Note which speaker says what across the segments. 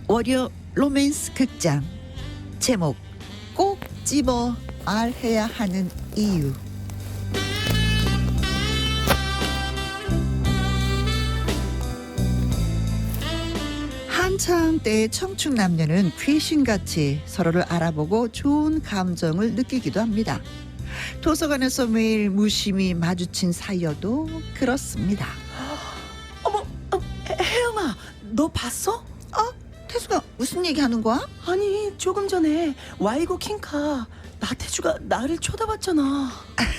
Speaker 1: 월요 로맨스 극장 제목 꼭 집어 말해야 하는 이유. 한창 때의 청춘 남녀는 귀신같이 서로를 알아보고 좋은 감정을 느끼기도 합니다. 도서관에서 매일 무심히 마주친 사이여도 그렇습니다.
Speaker 2: 어머, 혜영아, 너 봤어?
Speaker 1: 태수가 무슨 얘기하는 거야?
Speaker 2: 아니, 조금 전에 와이고 킹카 나태주가 나를 쳐다봤잖아.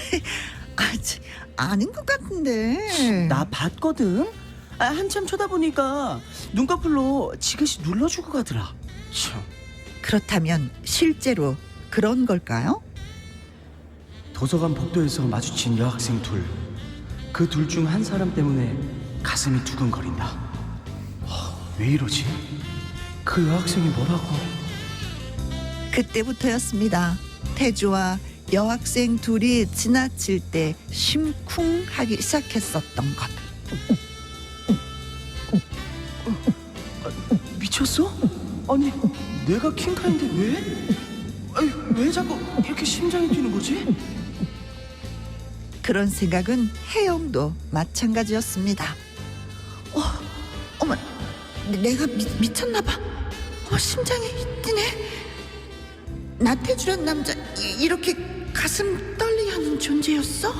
Speaker 1: 아는 것 같은데.
Speaker 2: 나 봤거든. 한참 쳐다보니까 눈꺼풀로 지그시 눌러주고 가더라. 참.
Speaker 1: 그렇다면 실제로 그런 걸까요?
Speaker 3: 도서관 복도에서 마주친 여학생 둘. 그 둘 중 한 사람 때문에 가슴이 두근거린다. 왜 이러지? 그 여학생이 뭐라고?
Speaker 1: 그때부터였습니다. 태주와 여학생 둘이 지나칠 때 심쿵하기 시작했었던 것.
Speaker 2: 미쳤어? 아니, 내가 킹카인데 왜? 아니, 왜 자꾸 이렇게 심장이 뛰는 거지?
Speaker 1: 그런 생각은 혜영도 마찬가지였습니다. 어머, 내가 미쳤나 봐. 심장이 뛰네. 나태주란 남자 이렇게 가슴 떨리게 하는 존재였어?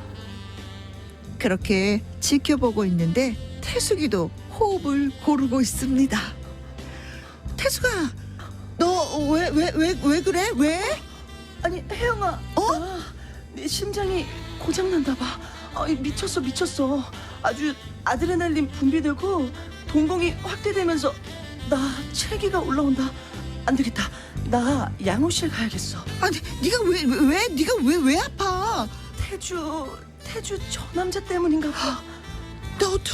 Speaker 1: 그렇게 지켜보고 있는데 태숙이도 호흡을 고르고 있습니다. 태숙아, 너 왜 그래? 왜?
Speaker 2: 아니, 혜영아, 내 심장이 고장난다 봐. 미쳤어. 아주 아드레날린 분비되고 동공이 확대되면서 나 체기가 올라온다. 안 되겠다. 나 양호실 가야겠어.
Speaker 1: 아니, 네가 왜 아파?
Speaker 2: 태주 저 남자 때문인가 봐.
Speaker 1: 너도?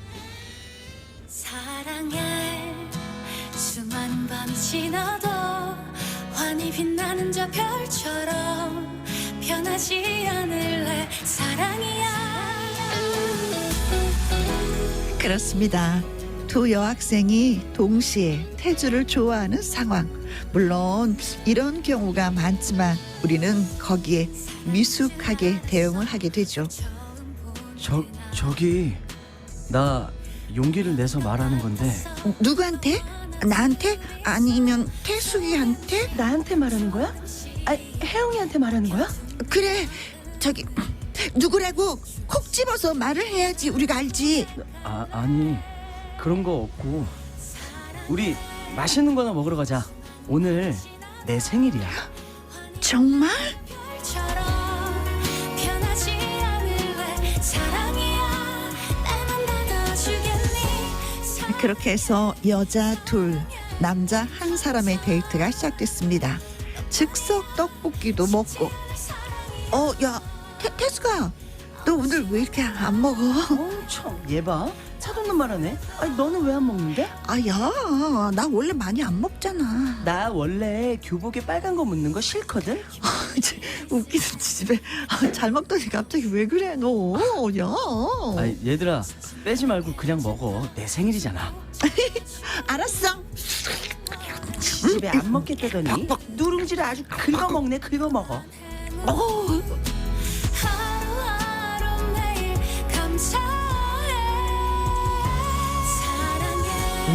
Speaker 4: 사랑해. 수많은 밤이 지나도 환히 빛나는 저 별처럼 변하지 않을래. 사랑이야.
Speaker 1: 그렇습니다. 두 여학생이 동시에 태주를 좋아하는 상황. 물론 이런 경우가 많지만 우리는 거기에 미숙하게 대응을 하게 되죠.
Speaker 3: 저기 나 용기를 내서 말하는 건데
Speaker 1: 누구한테? 나한테? 아니면 태숙이한테?
Speaker 2: 나한테 말하는 거야? 혜영이한테 말하는 거야?
Speaker 1: 그래, 저기 누구라고 콕 집어서 말을 해야지 우리가 알지.
Speaker 3: 아니 그런 거 없고 우리 맛있는 거나 먹으러 가자. 오늘 내 생일이야.
Speaker 1: 정말?
Speaker 4: 별처럼 변하지 않을래. 사랑이야. 날만 받아주겠니?
Speaker 1: 그렇게 해서 여자 둘, 남자 한 사람의 데이트가 시작됐습니다. 즉석 떡볶이도 먹고. 야, 태수가, 너 오늘 왜 이렇게 안 먹어?
Speaker 2: 참, 얘 봐. 차도는 말하네. 아니, 너는 왜 안 먹는데?
Speaker 1: 야, 나 원래 많이 안 먹잖아.
Speaker 2: 나 원래 교복에 빨간 거 묻는 거 싫거든.
Speaker 1: 웃기는 집에 잘 먹더니 갑자기 왜 그래 너? 야.
Speaker 3: 얘들아 빼지 말고 그냥 먹어. 내 생일이잖아.
Speaker 1: 알았어.
Speaker 2: 집에 안 먹겠다더니 누룽지를 아주 긁어먹네. 긁어먹어.
Speaker 4: 하루하루 매일 감사해. 사랑해.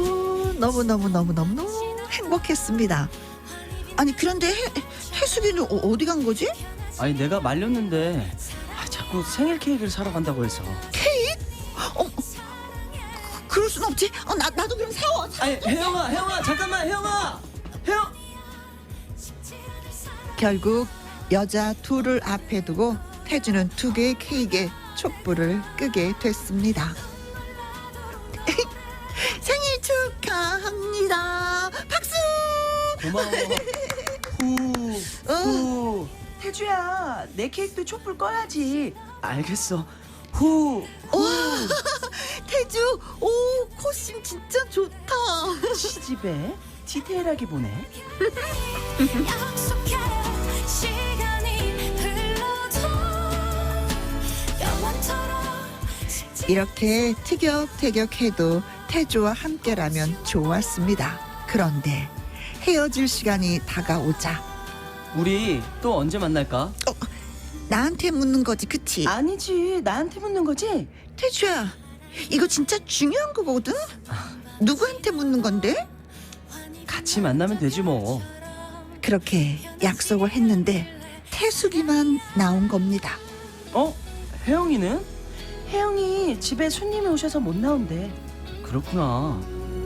Speaker 1: 너무 행복했습니다. 아니 그런데 태숙이는 어디 간 거지?
Speaker 3: 아니 내가 말렸는데 자꾸 생일 케이크를 사러 간다고 해서.
Speaker 1: 케이크? 그럴 순 없지. 나도 그럼 사와.
Speaker 3: 아니 혜영아 잠깐만. 혜영.
Speaker 1: 결국 여자 둘을 앞에 두고 태주는 두 개의 케이크에 촛불을 끄게 됐습니다. 생일 축하합니다. 박수.
Speaker 3: 고마워. 후.
Speaker 2: 태주야, 내 케이크도 촛불 꺼야지.
Speaker 3: 알겠어. 후.
Speaker 1: 태주, 코심 진짜 좋다.
Speaker 2: 시집에 디테일하게 보네.
Speaker 4: 약속해. 시간이 흘러도 영원토록
Speaker 1: 이렇게 티격태격해도 태주와 함께라면 좋았습니다. 그런데 헤어질 시간이 다가오자
Speaker 2: 우리 또 언제 만날까?
Speaker 1: 나한테 묻는 거지, 그치?
Speaker 2: 아니지, 나한테 묻는 거지?
Speaker 1: 태주야, 이거 진짜 중요한 거거든? 누구한테 묻는 건데?
Speaker 2: 같이 만나면 되지 뭐.
Speaker 1: 그렇게 약속을 했는데 태숙이만 나온 겁니다.
Speaker 2: 혜영이는? 혜영이 집에 손님이 오셔서 못 나온대. 그렇구나.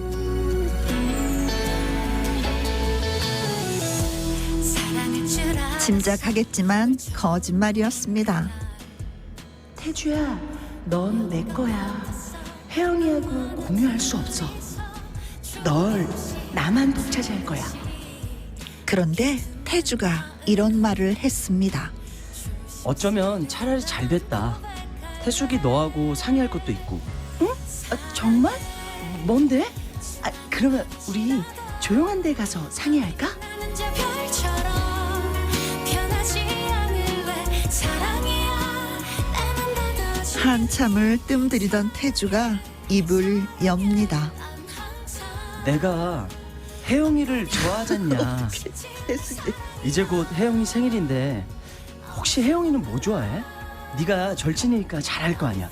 Speaker 4: 사랑할 줄 알아
Speaker 1: 짐작하겠지만 거짓말이었습니다.
Speaker 2: 태주야, 넌 내 거야. 혜영이하고 공유할 수 없어. 널 나만 독차지할 거야.
Speaker 1: 그런데 태주가 이런 말을 했습니다.
Speaker 2: 어쩌면 차라리 잘 됐다. 태숙이 너하고 상의할 것도 있고. 응? 정말? 뭔데? 그러면 우리 조용한 데 가서 상의할까?
Speaker 4: 나는 저 별처럼 변하지 않을래 사랑이야 나는 닫아줘
Speaker 1: 한참을 뜸들이던 태주가 입을 엽니다.
Speaker 2: 내가 혜영이를 좋아하잖냐. 이제 곧 혜영이 생일인데 혹시 혜영이는 뭐 좋아해? 네가 절친이니까 잘할 거 아니야.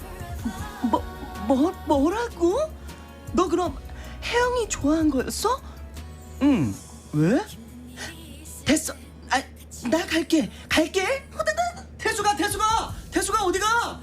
Speaker 2: 뭐라고? 너 그럼 혜영이 좋아한 거였어? 응. 왜? 됐어. 나 갈게. 태수가 어디가?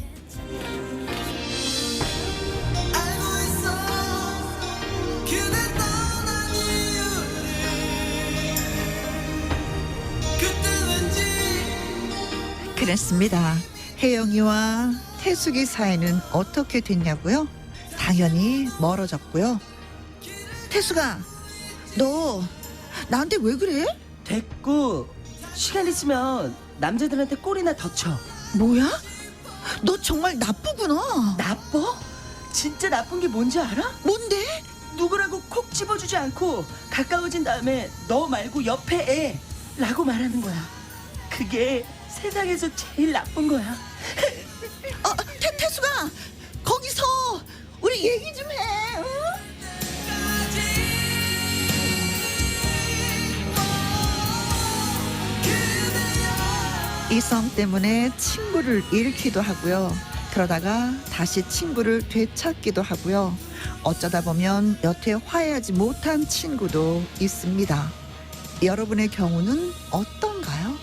Speaker 1: 그랬습니다. 혜영이와 태숙이 사이는 어떻게 됐냐고요? 당연히 멀어졌고요. 태숙아, 너 나한테 왜 그래?
Speaker 2: 됐고, 시간 있으면 남자들한테 꼬리나 더 쳐.
Speaker 1: 뭐야? 너 정말 나쁘구나.
Speaker 2: 나빠? 진짜 나쁜 게 뭔지 알아?
Speaker 1: 뭔데?
Speaker 2: 누구라고 콕 집어주지 않고 가까워진 다음에 너 말고 옆에 애라고 말하는 거야. 그게 세상에서 제일 나쁜 거야.
Speaker 1: 태숙아, 거기서 우리 얘기 좀 해. 응? 이성 때문에 친구를 잃기도 하고요. 그러다가 다시 친구를 되찾기도 하고요. 어쩌다 보면 여태 화해하지 못한 친구도 있습니다. 여러분의 경우는 어떤가요?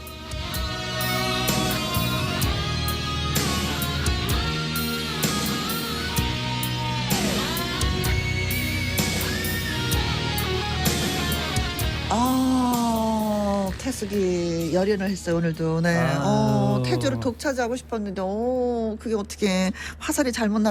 Speaker 1: 태숙이 열연을 했어요 오늘도. 네.
Speaker 2: 아유.
Speaker 1: 태주를 독차지하고 싶었는데 그게 어떻게 화살이 잘못 날